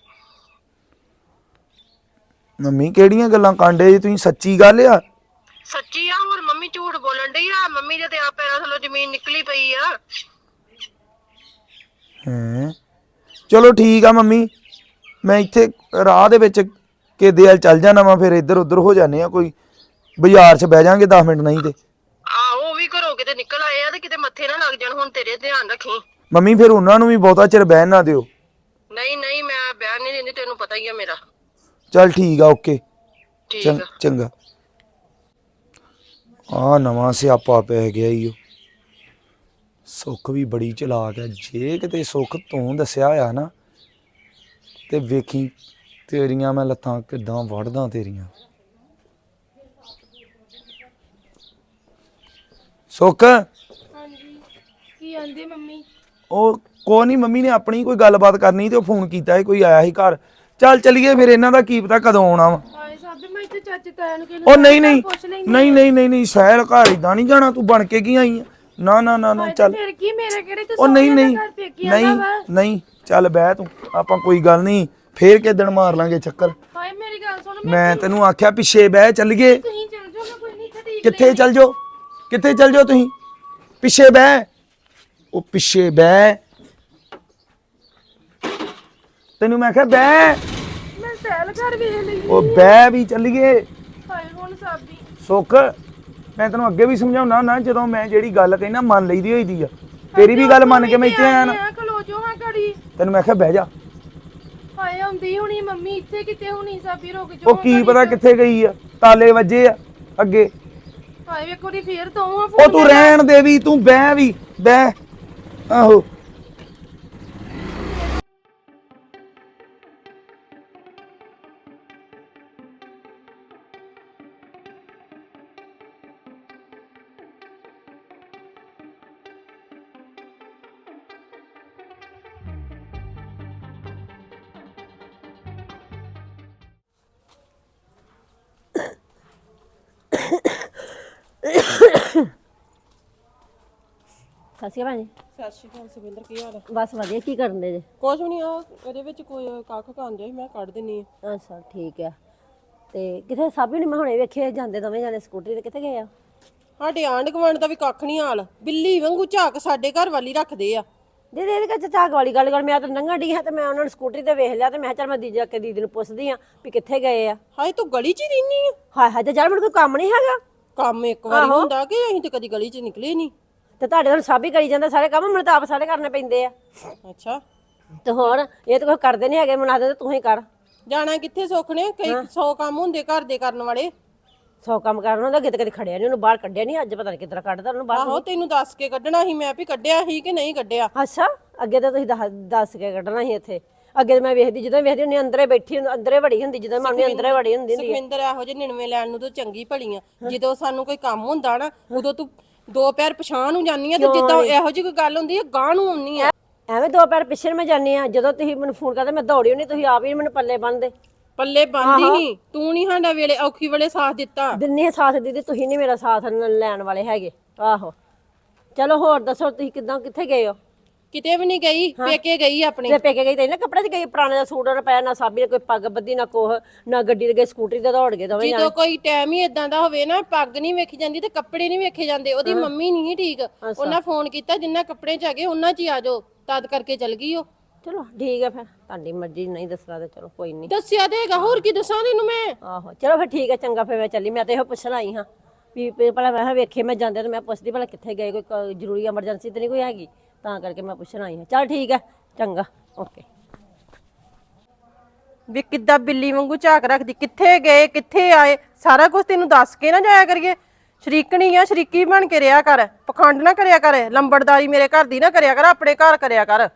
S3: ਮੰਮੀ ਕਿਹੜੀਆਂ ਗੱਲਾਂ ਕਾਂਡੇ ਜੀ ਤੁਸੀਂ? ਸੱਚੀ ਗੱਲ ਆ?
S2: ਸੱਚੀ ਆ, ਹੋਰ ਮੰਮੀ ਝੂਠ ਬੋਲਣ ਡਈ ਆ? ਮੰਮੀ ਦੇ ਤੇ ਆ ਪੈਰਾਂ ਥੱਲੋਂ ਜ਼ਮੀਨ ਨਿਕਲੀ ਪਈ ਆ।
S3: ਹੈਂ? ਚਲੋ ਠੀਕ ਆ ਮੰਮੀ, ਮੈਂ ਇੱਥੇ ਰਾਹ ਦੇ ਵਿੱਚ ਕਿਦੇ ਵੱਲ ਚੱਲ ਜਾਣਾ ਵਾ, ਫਿਰ ਇੱਧਰ ਉੱਧਰ ਹੋ ਜਾਂਦੇ ਆ, ਕੋਈ ਬਾਜ਼ਾਰ 'ਚ ਬਹਿ ਜਾਾਂਗੇ ਦਸ ਮਿੰਟ ਨਹੀਂ ਤੇ।
S2: ਆਹੋ ਵੀ ਘਰੋਂ ਕਿਤੇ ਨਿਕਲ ਆਏ ਆ ਤੇ ਕਿਤੇ ਮੱਥੇ ਨਾ ਲੱਗ ਜਾਣ, ਹੁਣ ਤੇਰੇ ਧਿਆਨ ਰੱਖੀ।
S3: ਮੰਮੀ ਫਿਰ ਉਹਨਾਂ ਨੂੰ ਵੀ ਬਹੁਤਾ ਚਿਰ ਬਹਿਣ ਨਾ ਦਿਓ।
S2: ਨਹੀਂ ਨਹੀਂ ਮੈਂ ਬਿਆਨ ਨਹੀਂ ਦਿੰਦੀ, ਤੈਨੂੰ ਪਤਾ ਹੀ ਆ ਮੇਰਾ।
S3: ਚੱਲ ਠੀਕ ਆ, ਓਕੇ।
S2: ਠੀਕ
S3: ਚੰ-
S2: ਆ।
S3: ਚੰਗਾ। ਆ ਨਵਾਂ ਸਿਆਪਾ ਪੈ ਗਿਆ ਈ ਓ। ਸੁੱਖ ਵੀ ਬੜੀ ਚਲਾਕ ਹੈ, ਜੇ ਕਿਤੇ ਸੁੱਖ ਤੂੰ ਦੱਸਿਆ ਹੋਇਆ ਨਾ ਤੇ ਵੇਖੀ ਤੇਰੀਆਂ ਮੈਂ ਲੱਤਾਂ ਕਿੱਦਾਂ ਵੜਦਾ ਤੇਰੀਆਂ। ਸੁੱਖ
S4: ਹਾਂਜੀ ਕੀ ਆਂਦੀ ਮੰਮੀ?
S3: ਉਹ ਕੋਈ ਨਹੀਂ, ਮੰਮੀ ਨੇ ਆਪਣੀ ਕੋਈ ਗੱਲਬਾਤ ਕਰਨੀ ਤੇ ਉਹ ਫੋਨ ਕੀਤਾ ਸੀ, ਕੋਈ ਆਇਆ ਸੀ ਘਰ। ਚੱਲ ਚੱਲੀਏ ਫਿਰ, ਇਹਨਾਂ ਦਾ ਕੀ ਪਤਾ ਕਦੋਂ ਆਉਣਾ ਵਾ।
S4: ਹਾਏ ਸਾਬੀ ਮੈਂ ਇੱਥੇ ਚਾਚੇ ਤਾਇਆ ਨੂੰ ਕਿਹਨੂੰ
S3: ਉਹ ਨਹੀਂ ਨਹੀਂ
S4: ਪੁੱਛ ਲੈਂਦੀ
S3: ਨਹੀਂ ਨਹੀਂ ਨਹੀਂ ਨਹੀਂ ਸਹਿਲ ਘਰ ਇਦਾਂ ਨਹੀਂ ਜਾਣਾ, ਤੂੰ ਬਣ ਕੇ ਕੀ ਆਈ ਆ? ਨਾ ਨਾ ਨਾ ਨਾ ਚੱਲ।
S4: ਫਿਰ ਕੀ ਮੇਰੇ ਕਿਹੜੇ ਤੇ
S3: ਉਹ ਨਹੀਂ ਨਹੀਂ
S4: ਘਰ ਪੇਕੀਆਂ ਦਾ
S3: ਨਹੀਂ
S4: ਵਾ?
S3: ਨਹੀਂ ਚੱਲ ਬਹਿ ਤੂੰ, ਆਪਾਂ ਕੋਈ ਗੱਲ ਨਹੀਂ, ਫੇਰ ਕਿਸ ਦਿਨ ਮਾਰ ਲਾਂਗੇ ਚੱਕਰ।
S4: ਹਾਏ ਮੇਰੀ ਗੱਲ ਸੁਣ,
S3: ਮੈਂ ਤੈਨੂੰ ਆਖਿਆ ਪਿੱਛੇ ਬਹਿ, ਚੱਲੀਏ।
S4: ਤੁਸੀਂ ਚੱਲ ਜਾਓ, ਮੈਂ ਕੋਈ ਨਹੀਂ ਇੱਥੇ ਠੀਕ
S3: ਕਿੱਥੇ ਚੱਲ ਜਾਓ? ਕਿੱਥੇ ਚੱਲ ਜਾਓ ਤੁਸੀਂ? ਪਿੱਛੇ ਬਹਿ, ਉਹ ਪਿੱਛੇ ਬਹਿ, ਤੈਨੂੰ ਮੈਂ ਆਖਿਆ ਬਹਿ।
S4: ਮੈਂ ਸੈਲ ਘਰ ਵੇਖ ਲਈ।
S3: ਉਹ ਬਹਿ ਵੀ ਚੱਲੀਏ।
S4: ਹਾਏ ਹੁਣ ਸਾਬੀ
S3: ਸੁੱਖ ਮੈਂ ਤੈਨੂੰ ਅੱਗੇ ਵੀ ਸਮਝਾਉਣਾ ਨਾ, ਜਦੋਂ ਮੈਂ ਜਿਹੜੀ ਗੱਲ ਕਹਿਣਾ ਮੰਨ ਲਈਦੀ ਹੋਈ ਦੀ ਆ। ਤੇਰੀ ਵੀ ਗੱਲ ਮੰਨ ਕੇ ਮੈਂ ਇੱਥੇ ਆਇਆ ਨਾ।
S4: ਖਲੋ ਜੋ ਹਾਂ ਘੜੀ।
S3: ਤੈਨੂੰ ਮੈਂ ਕਿਹਾ ਬਹਿ ਜਾ।
S4: ਹਾਏ ਆਉਂਦੀ ਹੁਣੀ ਮੰਮੀ ਇੱਥੇ ਕਿਤੇ ਹੁਣੀ ਸਾਬੀ ਰੁਕ ਜੋ।
S3: ਉਹ ਕੀ ਪਤਾ ਕਿੱਥੇ ਗਈ ਆ, ਤਾਲੇ ਵੱਜੇ ਆ ਅੱਗੇ।
S4: ਹਾਏ ਵੇਖੋ ਦੀ ਫੇਰ ਤੋਂ ਆ
S3: ਉਹ ਤੂੰ ਰਹਿਣ ਦੇ ਵੀ, ਤੂੰ ਬਹਿ ਵੀ ਬਹਿ। ਆਹੋ
S5: ਸਤਿ ਸ਼੍ਰੀ ਅਕਾਲ ਜੀ।
S6: ਸਤਿ ਸ਼੍ਰੀ ਅਕਾਲ ਸੁਖਵਿੰਦਰ, ਕੀ ਹਾਲ ਹੈ?
S5: ਬਸ ਵਧੀਆ। ਕੀ ਕਰਨ ਦੇ ਜੇ?
S6: ਕੁਝ ਵੀ ਨਹੀਂ, ਆ ਇਹਦੇ ਵਿੱਚ ਕੋਈ ਕੱਖ ਖਾਂਦੇ ਸੀ, ਮੈਂ ਕੱਢ ਦਿੰਨੀ ਆ।
S5: ਅੱਛਾ ਠੀਕ ਆ। ਤੇ ਕਿਥੇ ਸਾਬੀ ਨਹੀਂ ਮੈਂ ਹੁਣੇ ਵੇਖੇ ਜਾਂਦੇ ਦੋਵੇਂ ਜਾਣੇ ਸਕੂਟਰੀ ਤੇ, ਕਿੱਥੇ ਗਏ ਆ?
S6: ਸਾਡੇ ਆਂਢ ਗੁਆਂਢ ਦਾ ਵੀ ਕੱਖ ਨਹੀਂ ਹਾਲ, ਬਿੱਲੀ ਵਾਂਗੂ ਝਾਕ ਸਾਡੇ ਘਰ ਵਾਲੀ ਰੱਖਦੇ ਆ।
S5: ਦੀਦੀ ਇਹਦੇ ਵਿੱਚ ਝਾਕ ਵਾਲੀ ਗੱਲ ਕਰ, ਮੈਂ ਤਾਂ ਲੰਘਣ ਡਈ ਹਾਂ ਤੇ ਮੈਂ ਉਹਨਾਂ ਨੂੰ ਸਕੂਟਰੀ ਤੇ ਵੇਖ ਲਿਆ ਤੇ ਮੈਂ ਕਿਹਾ ਚੱਲ ਮੈਂ ਦੀਦੀ ਕੇ ਦੀਦੀ ਨੂੰ ਪੁੱਛਦੀ ਆ ਵੀ ਕਿੱਥੇ ਗਏ ਆ।
S6: ਹਾਏ ਤੂੰ ਗਲੀ 'ਚ ਹੀ ਰਹਿਨੀ ਆ?
S5: ਹਾਏ ਹਾਏ ਤੇ ਚੱਲ ਮੈਨੂੰ ਕੋਈ ਕੰਮ ਨਹੀਂ ਹੈਗਾ।
S6: ਕੰਮ ਇੱਕ ਵਾਰੀ ਹੁੰਦਾ ਕਿ ਅਸੀਂ ਤੇ ਕਦੀ ਗਲੀ 'ਚ ਨਿਕਲੇ ਨਹੀਂ।
S5: ਤੇ ਤੁਹਾਡੇ ਨਾਲ ਸਾਬੀ ਕਰੀ ਜਾਂਦਾ ਸਾਰੇ ਕੰਮ, ਮੈਨੂੰ ਤਾਂ ਆਪ ਸਾਰੇ ਕਰਨੇ ਪੈਂਦੇ ਆ।
S6: ਅੱਛਾ
S5: ਤੇ ਹੋਰ ਇਹ ਤਾਂ ਕੋਈ ਕਰਦੇ ਨਹੀਂ ਹੈਗੇ, ਮੈਨੂੰ ਆਖਦੇ ਤੂੰ ਹੀ ਕਰ।
S6: ਜਾਣਾ ਕਿੱਥੇ ਸੁੱਖ ਨੇ, ਕਈ ਸੌ ਕੰਮ ਹੁੰਦੇ ਘਰ ਦੇ ਕਰਨ ਵਾਲੇ।
S5: ਸੌ ਕੰਮ ਕਰਨ ਹੁੰਦਾ, ਕਿਤੇ ਕਦੇ ਖੜਿਆ ਨਹੀਂ ਉਹਨੂੰ ਬਾਹਰ ਕੱਢਿਆ ਨਹੀਂ, ਅੱਜ ਪਤਾ ਨਹੀਂ ਕਿੱਦਾਂ ਕੱਢਦਾ ਉਹਨੂੰ ਬਾਹਰ।
S6: ਆਹੋ ਤੈਨੂੰ ਦੱਸ ਕੇ ਕੱਢਣਾ ਸੀ ਮੈਂ ਵੀ ਕੱਢਿਆ ਸੀ ਕਿ ਨਹੀਂ ਕੱਢਿਆ।
S5: ਅੱਛਾ ਅੱਗੇ ਤਾਂ ਤੁਸੀਂ ਦੱਸ ਦੱਸ ਕੇ ਕੱਢਣਾ ਸੀ ਇੱਥੇ। ਅੱਗੇ ਤਾਂ ਮੈਂ ਵੇਖਦੀ ਜਦੋਂ ਵੇਖਦੀ ਹੁੰਦੀ ਅੰਦਰੇ ਬੈਠੀ ਅੰਦਰੇ ਵੜੀ ਹੁੰਦੀ, ਜਦੋਂ ਮੈਂ ਅੰਦਰੇ ਵੜੀ ਹੁੰਦੀ ਹੁੰਦੀ
S6: ਸੁਖਵਿੰਦਰ ਇਹੋ ਜਿਹੇ ਨਿਣਵੇਂ ਲੈਣ ਨੂੰ ਤੂੰ ਚੰਗੀ ਭਲੀ ਆ, ਜਦੋਂ ਸਾਨੂੰ ਕੋਈ ਕੰਮ ਹੁੰਦਾ ਨਾ ਉਦੋਂ ਤੂੰ ਦੋ ਪੈਰ ਪਛਾਣ ਨੂੰ ਜਾਨੀ ਆ, ਤੇ ਜਿੱਦਾਂ ਇਹੋ ਜਿਹੀ ਕੋਈ ਗੱਲ ਹੁੰਦੀ ਆ ਗਾਂ ਨੂੰ ਆਉਣੀ ਆ।
S5: ਐਵੇਂ ਦੋ ਪੈਰ ਪਿੱਛੇ ਮੈਂ ਜਾਂਦੀ ਆ, ਜਦੋਂ ਤੁਸੀਂ ਮੈਨੂੰ ਫੋਨ ਕਰਦੇ ਮੈਂ ਦੌੜੀ ਹੁੰਦੀ, ਤੁਸੀਂ ਆਪ ਹੀ ਮੈਨੂੰ ਪੱਲੇ ਬੰਨਦੇ।
S6: ਪੱਲੇ ਬੰਦੀ ਹੀ ਤੂੰ ਨਹੀਂ ਸਾਡਾ ਵੇਲੇ ਔਖੀ ਵੇਲੇ ਸਾਥ ਦਿੱਤਾ।
S5: ਦਿੰਨੀ ਸਾਥ ਦੀਦੀ, ਤੁਸੀਂ ਨਹੀਂ ਮੇਰਾ ਸਾਥ ਲੈਣ ਵਾਲੇ ਹੈਗੇ। ਆਹੋ ਚਲੋ ਹੋਰ ਦੱਸੋ ਤੁਸੀਂ ਕਿੱਦਾਂ ਕਿੱਥੇ ਗਏ ਹੋ?
S6: ਕਿਤੇ ਵੀ ਨਹੀਂ ਗਈ, ਪੇਕੇ ਗਈ ਆਪਣੇ।
S5: ਤੇ ਪੇਕੇ ਗਈ ਤੇ ਨਾ ਕੱਪੜੇ 'ਚ ਗਈ, ਪੁਰਾਣੇ ਦਾ ਸੂਟ ਉਹਨੇ ਪਾਇਆ ਨਾ, ਸਾਬੀ ਨੇ ਕੋਈ ਪੱਗ ਬੱਧੀ ਨਾ ਕੋਹ ਨਾ, ਗੱਡੀ ਤੇ ਗਏ ਸਕੂਟਰੀ ਤੇ ਦੌੜ ਗਏ ਦੋਵੇਂ ਜਾਣੇ।
S6: ਜਦੋਂ ਕੋਈ ਟਾਈਮ ਹੀ ਇਦਾਂ ਦਾ ਹੋਵੇ ਨਾ, ਪੱਗ ਨਹੀਂ ਵੇਖੀ ਜਾਂਦੀ ਤੇ ਕੱਪੜੇ ਨਹੀਂ ਵੇਖੇ ਜਾਂਦੇ। ਉਹਦੀ ਮੰਮੀ ਨਹੀਂ ਠੀਕ, ਉਹਨਾਂ ਫੋਨ ਕੀਤਾ ਜਿੰਨਾ ਕੱਪੜੇ 'ਚ ਹੈਗੇ ਉਹਨਾਂ 'ਚ ਹੀ ਆ ਜਾਓ, ਤਦ ਕਰਕੇ ਚਲ ਗਈ ਉਹ।
S5: ਚਲੋ ਠੀਕ ਹੈ ਫਿਰ, ਤੁਹਾਡੀ ਮਰਜ਼ੀ ਨਹੀਂ ਦੱਸਣਾ ਤੇ ਚਲੋ ਕੋਈ ਨਹੀਂ।
S6: ਦੱਸਿਆ ਦੇਗਾ, ਹੋਰ ਕੀ ਦੱਸਾਂ ਤੈਨੂੰ ਮੈਂ।
S5: ਆਹੋ ਚਲੋ ਫਿਰ ਠੀਕ ਹੈ, ਚੰਗਾ ਫਿਰ ਮੈਂ ਚੱਲੀ। ਮੈਂ ਤੇ ਇਹੋ ਪੁੱਛਣ ਆਈ ਹਾਂ ਵੀ ਭਲਾ ਮੈਂ ਵੇਖੇ ਮੈਂ ਜਾਂਦੇ ਤੇ ਮੈਂ ਪੁੱਛਦੀ ਭਲਾ ਕਿੱਥੇ ਗਏ, ਕੋਈ ਜ਼ਰੂਰੀ ਐਮਰਜੈਂਸੀ ਤੇ ਨਹੀਂ ਕੋਈ ਹੈਗੀ, ਤਾਂ ਕਰਕੇ ਮੈਂ ਪੁੱਛਣ ਆਈ ਹਾਂ। ਚਲ ਠੀਕ ਹੈ, ਚੰਗਾ ਓਕੇ।
S6: ਵੀ ਕਿੱਦਾਂ ਬਿੱਲੀ ਵਾਂਗੂ ਝਾਕ ਰੱਖਦੀ, ਕਿੱਥੇ ਗਏ ਕਿੱਥੇ ਆਏ ਸਾਰਾ ਕੁਝ ਤੈਨੂੰ ਦੱਸ ਕੇ ਨਾ ਜਾਇਆ ਕਰੀਏ। ਸ਼ਰੀਕਣੀ ਆ, ਸ਼ਰੀਕੀ ਬਣ ਕੇ ਰਿਹਾ ਕਰ, ਪਖੰਡ ਨਾ ਕਰਿਆ ਕਰ, ਲੰਬੜਦਾਰੀ ਮੇਰੇ ਘਰ ਦੀ ਨਾ ਕਰਿਆ ਕਰ, ਆਪਣੇ ਘਰ ਕਰਿਆ ਕਰ।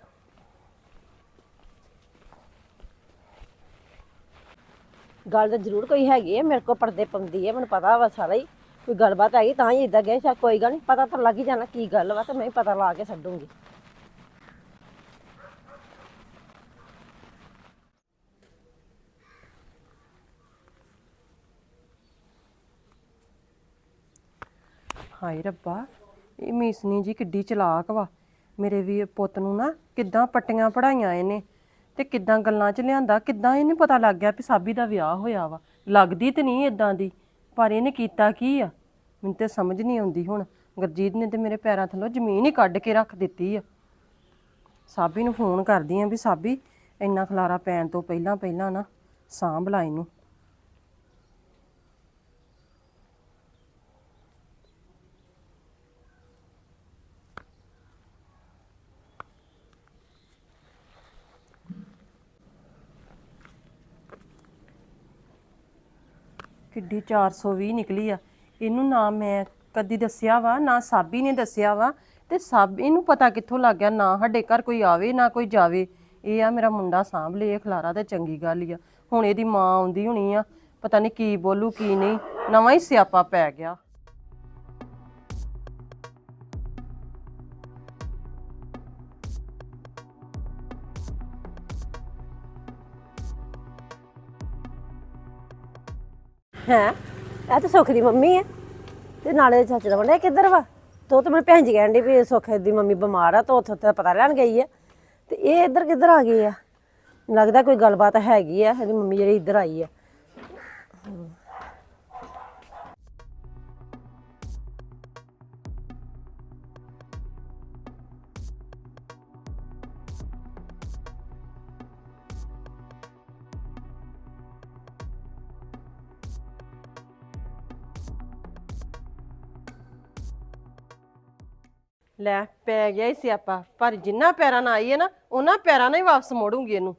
S5: ਗੱਲ ਤਾਂ ਜ਼ਰੂਰ ਕੋਈ ਹੈਗੀ ਹੈ, ਮੇਰੇ ਕੋਲ ਪਰਦੇ ਪਾਉਂਦੀ ਹੈ, ਮੈਨੂੰ ਪਤਾ ਵਾ ਸਾਰਾ ਹੀ। ਕੋਈ ਗੱਲਬਾਤ ਹੈਗੀ ਤਾਂ ਹੀ ਇਦਾਂ ਗਏ, ਸ਼ਾਇਦ ਕੋਈ ਗੱਲ ਨਹੀਂ, ਪਤਾ ਤਾਂ ਲੱਗ ਹੀ ਜਾਣਾ ਕੀ ਗੱਲ ਵਾ, ਤੇ ਮੈਂ ਪਤਾ ਲਾ ਕੇ ਛੱਡੂੰਗੀ।
S6: ਹਾਏ ਰੱਬਾ, ਇਹ ਮੀਸਨੀ ਜੀ ਕਿੱਡੀ ਚਲਾਕ ਵਾ। ਮੇਰੇ ਵੀ ਪੁੱਤ ਨੂੰ ਨਾ ਕਿੱਦਾਂ ਪੱਟੀਆਂ ਪੜਾਈਆਂ ਇਹਨੇ, ਤੇ ਕਿੱਦਾਂ ਗੱਲਾਂ 'ਚ ਲਿਆਂਦਾ, ਕਿੱਦਾਂ ਇਹਨੂੰ ਪਤਾ ਲੱਗ ਗਿਆ ਵੀ ਸਾਬੀ ਦਾ ਵਿਆਹ ਹੋਇਆ ਵਾ। ਲੱਗਦੀ ਤੇ ਨਹੀਂ ਇਦਾਂ ਦੀ, ਪਰ ਇਹਨੇ ਕੀਤਾ ਕੀ ਆ ਮੈਨੂੰ ਤੇ ਸਮਝ ਨਹੀਂ ਆਉਂਦੀ। ਹੁਣ ਗੁਰਜੀਤ ਨੇ ਤੇ ਮੇਰੇ ਪੈਰਾਂ ਥੱਲੋਂ ਜ਼ਮੀਨ ਹੀ ਕੱਢ ਕੇ ਰੱਖ ਦਿੱਤੀ ਆ। ਸਾਬੀ ਨੂੰ ਫੋਨ ਕਰਦੀ ਆ ਵੀ ਸਾਬੀ ਇੰਨਾ ਖਲਾਰਾ ਪੈਣ ਤੋਂ ਪਹਿਲਾਂ ਪਹਿਲਾਂ ਨਾ ਸਾਂਭ ਲਾ ਇਹਨੂੰ। ਕਿੱਡੀ ਚਾਰ ਸੌ ਵੀਹ ਨਿਕਲੀ ਆ। ਇਹਨੂੰ ਨਾ ਮੈਂ ਕਦੀ ਦੱਸਿਆ ਵਾ, ਨਾ ਸਾਬੀ ਨੇ ਦੱਸਿਆ ਵਾ, ਤੇ ਸਭ ਇਹਨੂੰ ਪਤਾ ਕਿੱਥੋਂ ਲੱਗ ਗਿਆ। ਨਾ ਸਾਡੇ ਘਰ ਕੋਈ ਆਵੇ ਨਾ ਕੋਈ ਜਾਵੇ, ਇਹ ਆ ਮੇਰਾ ਮੁੰਡਾ ਸਾਂਭ ਲੇ ਖਲਾਰਾ, ਤੇ ਚੰਗੀ ਗੱਲ ਹੀ ਆ। ਹੁਣ ਇਹਦੀ ਮਾਂ ਆਉਂਦੀ ਹੋਣੀ ਆ, ਪਤਾ ਨਹੀਂ ਕੀ ਬੋਲੂ ਕੀ ਨਹੀਂ, ਨਵਾਂ ਹੀ ਸਿਆਪਾ ਪੈ ਗਿਆ।
S5: ਹੈ ਇਹ ਤਾਂ ਸੁੱਖ ਦੀ ਮੰਮੀ ਹੈ, ਤੇ ਨਾਲੇ ਚਾਚੇ ਦਾ ਮੁੰਡਾ ਕਿੱਧਰ ਵਾ? ਤੋ ਤਾਂ ਮੈਨੂੰ ਭੈਣ ਜੀ ਕਹਿਣ ਡਈ ਵੀ ਸੁੱਖ ਦੀ ਮੰਮੀ ਬਿਮਾਰ ਆ, ਤਾਂ ਉੱਥੇ ਉੱਥੇ ਪਤਾ ਲੈਣ ਗਈ ਆ, ਤੇ ਇਹ ਇੱਧਰ ਕਿੱਧਰ ਆ ਗਏ ਆ? ਲੱਗਦਾ ਕੋਈ ਗੱਲਬਾਤ ਹੈਗੀ ਆ, ਇਹਦੀ ਮੰਮੀ ਜਿਹੜੀ ਇੱਧਰ ਆਈ ਆ।
S6: ਲੈ ਪੈ ਗਿਆ ਹੀ ਸਿਆਪਾ, ਪਰ ਜਿੰਨਾ ਪੈਰਾਂ ਨਾਲ ਆਈ ਹੈ ਨਾ ਉਹਨਾਂ ਪੈਰਾਂ ਨਾਲ ਹੀ ਵਾਪਸ ਮੋੜੂੰਗੀ ਇਹਨੂੰ।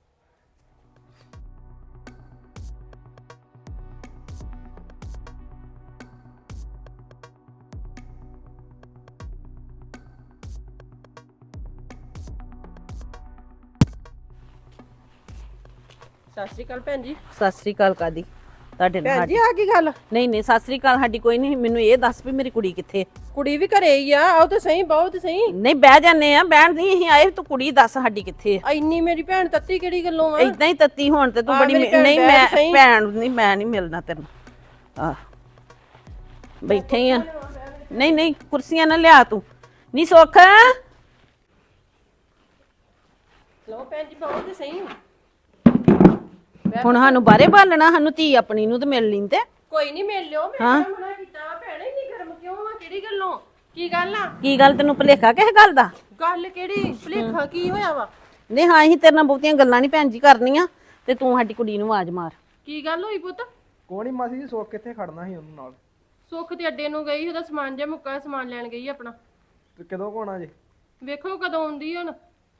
S6: ਸਤਿ ਸ਼੍ਰੀ ਅਕਾਲ ਭੈਣ ਜੀ।
S5: ਸਤਿ ਸ੍ਰੀ ਅਕਾਲ ਕਾਦੀ ਤੁਹਾਡੇ ਨਾਲ
S6: ਭੈਣ ਜੀ ਆ ਕੀ ਗੱਲ?
S5: ਨਹੀਂ ਨਹੀਂ ਸਤਿ ਸ੍ਰੀ ਅਕਾਲ ਸਾਡੀ ਕੋਈ ਨਹੀਂ। ਮੈਨੂੰ ਇਹ ਦੱਸ ਵੀ ਮੇਰੀ ਕੁੜੀ ਕਿੱਥੇ?
S6: ਕੁੜੀ ਵੀ ਘਰੇ ਹੀ ਆ, ਆਓ ਤੇ ਸਹੀ, ਬਹੁਤ ਸਹੀ।
S5: ਨਹੀਂ ਬਹਿ ਜਾਂਦੇ ਆ, ਬਹਿਣ ਨਹੀਂ ਅਸੀਂ ਆਏ, ਤੂੰ ਕੁੜੀ ਦੱਸ ਸਾਡੀ ਕਿੱਥੇ ਆ?
S6: ਇੰਨੀ ਮੇਰੀ ਭੈਣ ਤੱਤੀ ਕਿਹੜੀ ਗੱਲੋਂ ਆ?
S5: ਇਦਾਂ ਹੀ ਤੱਤੀ ਹੋਣ ਤੇ ਤੂੰ
S6: ਆ
S5: ਬੜੀ
S6: ਮੇਰੀ
S5: ਮੇ-
S6: ਭੈਣ
S5: ਨਹੀਂ
S6: ਬਹਿ
S5: ਮੈਂ
S6: ਤੇ ਸਹੀ।
S5: ਭੈਣ ਨਹੀਂ, ਮੈਂ ਨਹੀਂ ਮਿਲਣਾ ਤੈਨੂੰ। ਆ ਬੈਠੇ ਹੀ ਆ। ਨਹੀਂ ਨਹੀਂ ਕੁਰਸੀਆਂ ਨਾ ਲਿਆ ਤੂੰ। ਨਹੀਂ ਸੁੱਖ
S6: ਲਓ ਭੈਣ ਜੀ ਬਹੁਤ ਤੇ ਸਹੀ।
S5: ਹੁਣ ਸਾਨੂੰ ਬਾਹਰੇ ਬਾਲਣਾ, ਸਾਨੂੰ ਧੀ ਆਪਣੀ ਨੂੰ ਤੇ ਮਿਲ ਲੈਂਦੇ।
S6: ਕੋਈ ਨਹੀਂ ਮਿਲ ਲਿਓ, ਮੈਂ ਕਿਹੜਾ ਮਨਾ ਕੀਤਾ? ਭੈਣੇ ਇੰਨੀ ਗਰਮ ਕਿਉਂ ਆ? ਕਿਹੜੀ ਗੱਲੋਂ? ਕੀ ਗੱਲ ਆ?
S5: ਕੀ ਗੱਲ ਤੈਨੂੰ ਭੁਲੇਖਾ ਕਿਸੇ ਗੱਲ ਦਾ?
S6: ਗੱਲ ਕਿਹੜੀ? ਭੁਲੇਖਾ ਕੀ ਹੋਇਆ ਵਾ?
S5: ਨਹੀਂ ਹਾਂ ਅਸੀਂ ਤੇਰੇ ਨਾਲ ਬਹੁਤੀਆਂ ਗੱਲਾਂ ਨਹੀਂ ਭੈਣ ਜੀ ਕਰਨੀਆਂ, ਤੇ ਤੂੰ ਸਾਡੀ ਕੁੜੀ ਨੂੰ ਆਵਾਜ਼ ਮਾਰ।
S6: ਕੀ ਗੱਲ ਹੋਈ ਪੁੱਤ?
S7: ਕੋਣੀ ਮਾਸੀ ਜੀ ਸੁੱਖ ਕਿੱਥੇ ਖੜਨਾ ਸੀ ਉਹਨੂੰ ਨਾਲ?
S6: ਸੁੱਖ ਤੇ ਅੱਡੇ ਨੂੰ ਗਈ, ਉਹਦਾ ਸਮਾਨ ਜਿਹਾ ਮੁੱਕਾ, ਸਮਾਨ ਲੈਣ ਗਈ ਆਪਣਾ।
S7: ਤੇ ਕਦੋਂ ਕੋਣਾ ਜੇ?
S6: ਵੇਖੋ ਕਦੋਂ ਆਉਂਦੀ ਹੁਣ।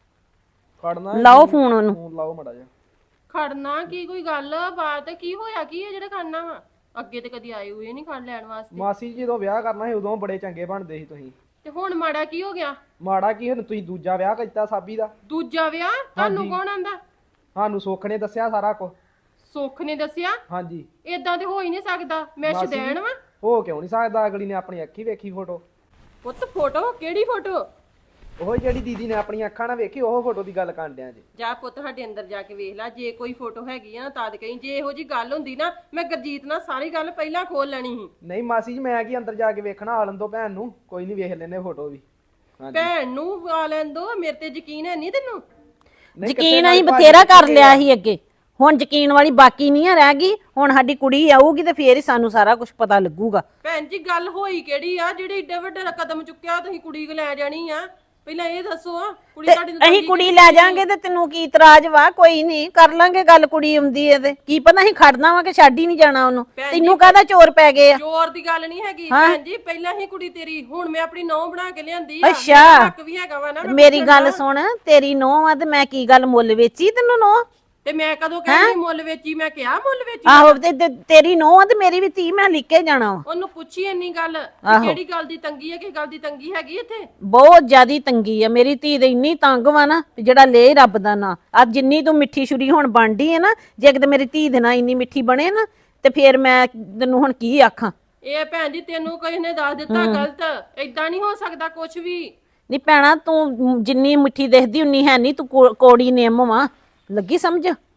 S7: ਖੜਨਾ
S5: ਲਾਓ ਫੋਨ ਉਹਨੂੰ।
S7: ਫੋਨ ਲਾਓ ਮੜਾ ਜਾ।
S6: ਖੜਨਾ ਕੀ? ਕੋਈ ਗੱਲ ਬਾਤ ਕੀ ਹੋਇਆ? ਕੀ ਹੈ ਜਿਹੜਾ ਖੜਨਾ ਵਾ? ਅੱਗੇ ਤੇ ਕਦੀ ਆਏ ਹੋਏ ਨਹੀਂ ਖੜ ਲੈਣ ਵਾਸਤੇ।
S7: ਮਾਸੀ ਜੀ ਜਦੋਂ ਵਿਆਹ ਕਰਨਾ ਸੀ ਉਦੋਂ ਬੜੇ ਚੰਗੇ ਬਣਦੇ ਸੀ ਤੁਸੀਂ।
S6: ਤੇ ਹੁਣ ਮਾੜਾ ਕੀ ਹੋ ਗਿਆ?
S7: ਮਾੜਾ ਕੀ ਹੁਣ ਤੁਸੀਂ ਦੂਜਾ ਵਿਆਹ ਕੀਤਾ ਸਾਬੀ ਦਾ।
S6: ਦੂਜਾ ਵਿਆਹ? ਤੁਹਾਨੂੰ ਕੌਣ ਆਂਦਾ?
S7: ਸਾਨੂੰ ਸੁੱਖ ਨੇ ਦੱਸਿਆ ਸਾਰਾ ਕੁਝ।
S6: ਸੁੱਖ ਨੇ ਦੱਸਿਆ?
S7: ਹਾਂਜੀ।
S6: ਏਦਾਂ ਤੇ ਹੋ ਹੀ ਨਹੀਂ ਸਕਦਾ, ਮੈਂ
S7: ਮਾਸੀ
S6: ਸ਼ਦੈਣ ਵਾ।
S7: ਹੋ ਕਿਉਂ ਨਹੀਂ ਸਕਦਾ? ਅਗਲੀ ਨੇ ਆਪਣੀ ਅੱਖੀ ਵੇਖੀ ਫੋਟੋ।
S6: ਪੁੱਤ ਫੋਟੋ? ਕਿਹੜੀ ਫੋਟੋ?
S7: ਉਹ ਜਿਹੜੀ ਦੀਦੀ ਨੇ ਆਪਣੀਆਂ ਅੱਖਾਂ ਨਾਲ ਵੇਖੀ ਉਹ ਫੋਟੋ ਦੀ ਗੱਲ ਕਰਨ ਡਿਆ ਜੀ।
S6: ਜਾ ਪੁੱਤ ਸਾਡੇ ਅੰਦਰ ਜਾ ਕੇ ਵੇਖ ਲੈ, ਜੇ ਕੋਈ ਫੋਟੋ ਹੈਗੀ ਆ ਨਾ ਤਦ ਕਹੀਂ। ਜੇ ਇਹੋ ਜੀ ਗੱਲ ਹੁੰਦੀ ਨਾ ਮੈਂ ਗੁਰਜੀਤ ਨਾਲ ਸਾਰੀ ਗੱਲ ਪਹਿਲਾਂ ਖੋਲ ਲੈਣੀ ਸੀ।
S7: ਨਹੀਂ ਮਾਸੀ ਜੀ ਮੈਂ ਕੀ ਅੰਦਰ ਜਾ ਕੇ ਵੇਖਣਾ? ਆਲਨ ਤੋਂ ਭੈਣ ਨੂੰ ਕੋਈ ਨਹੀਂ, ਵੇਖ ਲੈਨੇ ਫੋਟੋ ਵੀ।
S6: ਭੈਣ ਨੂੰ ਆ ਲੈਣ ਦੋ, ਮੇਰੇ ਤੇ ਯਕੀਨ ਹੈ ਨਹੀਂ ਤੈਨੂੰ?
S7: ਨਹੀਂ, ਕਿੱਥੇ
S5: ਯਕੀਨ
S7: ਨਾਲ
S5: ਅਸੀਂ
S7: ਭਾਜੀ
S5: ਬਥੇਰਾ ਕਰ
S7: ਕਿੱਥੇ
S5: ਲਿਆ
S7: ਆ?
S5: ਸੀ ਅੱਗੇ, ਹੁਣ ਯਕੀਨ ਵਾਲੀ ਬਾਕੀ ਨਹੀਂ ਆ ਰਹਿ ਗਈ। ਹੁਣ ਸਾਡੀ ਕੁੜੀ ਆਊਗੀ ਤੇ ਫੇਰ ਹੀ ਸਾਨੂੰ ਸਾਰਾ ਕੁਝ ਪਤਾ ਲੱਗੂਗਾ।
S6: ਭੈਣ ਜੀ ਗੱਲ ਹੋਈ ਕਿਹੜੀ ਆ ਜਿਹੜੇ ਏਡੇ ਵੱਡੇ ਕਦਮ ਚੁੱਕਿਆ ਤੁਸੀਂ ਕੁੜੀ ਕੋ ਲੈ ਜਾਣੀ ਆ? ਪਹਿਲਾਂ ਇਹ ਦੱਸੋ ਆ ਕੁੜੀ
S5: ਤੇ
S6: ਤੁਹਾਡੀ ਨੂੰ
S5: ਅਸੀਂ ਕੁੜੀ ਲੈ ਜਾਾਂਗੇ ਤੇ ਤੈਨੂੰ ਕੀ ਇਤਰਾਜ਼ ਵਾ? ਕੋਈ ਨਹੀਂ, ਕਰ ਲਾਂਗੇ ਗੱਲ। ਕੁੜੀ ਆਉਂਦੀ ਏ ਤੇ ਕੀ ਪਤਾ ਅਸੀਂ ਖੜਨਾ ਵਾ ਕਿ ਛੱਡ ਹੀ ਨਹੀਂ ਜਾਣਾ ਉਹਨੂੰ। ਤੈਨੂੰ ਕਾਹਦਾ ਚੋਰ ਪੈ ਗਏ ਆ?
S6: ਚੋਰ ਦੀ ਗੱਲ ਨਹੀਂ ਹੈਗੀ ਭੈਣ ਜੀ, ਪਹਿਲਾਂ ਹੀ ਕੁੜੀ ਤੇਰੀ, ਹੁਣ ਮੈਂ ਆਪਣੀ ਨੌਂ ਬਣਾ ਕੇ ਲਿਆਂਦੀ ਆ।
S5: ਅੱਛਾ।
S6: ਮੇਰਾ ਹੱਕ ਵੀ ਹੈਗਾ ਵਾ ਨਾ। ਮੈਂ
S5: ਮੇਰੀ
S6: ਪੁੱਛਣਾ।
S5: ਗੱਲ ਸੁਣ, ਤੇਰੀ ਨੋਹ ਆ ਤੇ ਮੈਂ ਕੀ ਗੱਲ ਮੁੱਲ ਵੇਚੀ ਤੈਨੂੰ ਨੋਹ?
S6: ਤੇ ਮੈਂ ਕਦੋਂ ਕਹਿੰਦੀ ਮੁੱਲ ਵੇਚੀ? ਮੈਂ ਕਿਹਾ ਮੁੱਲ ਵੇਚੀ?
S5: ਆਹੋ ਤੇ ਤੇ ਤੇਰੀ ਨੋਹ ਆ ਤੇ ਮੇਰੀ ਵੀ ਧੀ, ਮੈਂ ਲਿਖ ਕੇ ਜਾਣਾ ਵਾ।
S6: ਉਹਨੂੰ ਪੁੱਛੀ ਇੰਨੀ ਗੱਲ ਕਿ ਕਿਹੜੀ ਗੱਲ ਦੀ ਤੰਗੀ ਹੈ, ਕਿ ਗੱਲ ਦੀ ਤੰਗੀ ਹੈਗੀ ਇੱਥੇ?
S5: ਬਹੁਤ ਜ਼ਿਆਦੀ ਤੰਗੀ ਆ ਮੇਰੀ ਧੀ ਦੇ, ਇੰਨੀ ਤੰਗ ਵਾ ਨਾ ਵੀ ਜਿਹੜਾ ਲੈ ਰੱਬ ਦਾ ਨਾਂ। ਅੱਜ ਜਿੰਨੀ ਤੂੰ ਮਿੱਠੀ ਛੁਰੀ ਹੁਣ ਬਣਦੀ ਹੈ ਨਾ, ਜੇ ਕਿਤੇ ਮੇਰੀ ਧੀ ਦੇ ਨਾਲ ਇੰਨੀ ਮਿੱਠੀ ਬਣੇ ਨਾ ਤੇ ਫੇਰ ਮੈਂ ਤੈਨੂੰ ਹੁਣ ਕੀ ਆਖਾਂ?
S6: ਇਹ ਭੈਣ ਜੀ ਤੈਨੂੰ ਕਿਸੇ ਨੇ ਦੱਸ ਦਿੱਤਾ ਗਲਤ? ਏਦਾਂ ਨਹੀਂ ਹੋ ਸਕਦਾ ਕੁਝ ਵੀ।
S5: ਨਹੀਂ ਭੈਣਾ, ਤੂੰ ਜਿੰਨੀ ਮਿੱਠੀ ਦਿਖਦੀ ਉਨੀ ਹੈ ਨਹੀਂ, ਤੂੰ ਕੋ- ਕੋੜੀ ਨਿੰਮ ਵਾ। ਲੱਗੀ ਸਮਝ?